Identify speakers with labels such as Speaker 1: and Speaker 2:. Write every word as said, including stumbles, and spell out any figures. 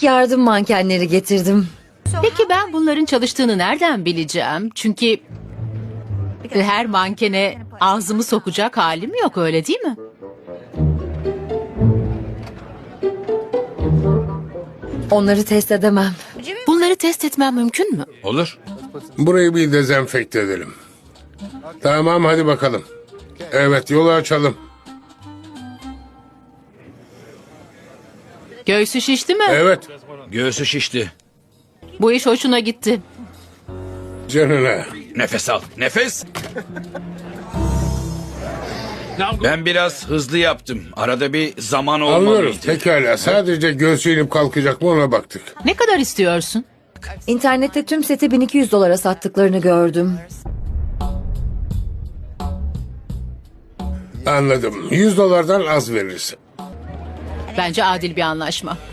Speaker 1: İlk yardım mankenleri getirdim.
Speaker 2: Peki ben bunların çalıştığını nereden bileceğim? Çünkü her mankene ağzımı sokacak halim yok, öyle değil mi?
Speaker 1: Onları test edemem.
Speaker 2: Bunları test etmem mümkün mü?
Speaker 3: Olur.
Speaker 4: Burayı bir dezenfekte edelim. Tamam, hadi bakalım. Evet, yolu açalım.
Speaker 2: Göğsü şişti mi?
Speaker 4: Evet,
Speaker 3: Göğsü şişti.
Speaker 2: Bu iş hoşuna gitti.
Speaker 4: canına.
Speaker 3: Nefes al. Nefes. Ben biraz hızlı yaptım. Arada bir zaman
Speaker 4: Anlıyorum,
Speaker 3: olmalıydı.
Speaker 4: pekala. Sadece göğsü inip kalkacak mı ona baktık.
Speaker 2: Ne kadar istiyorsun?
Speaker 1: İnternette tüm seti bin iki yüz dolara sattıklarını gördüm.
Speaker 4: Anladım. yüz dolardan az veririz.
Speaker 2: Bence adil bir anlaşma.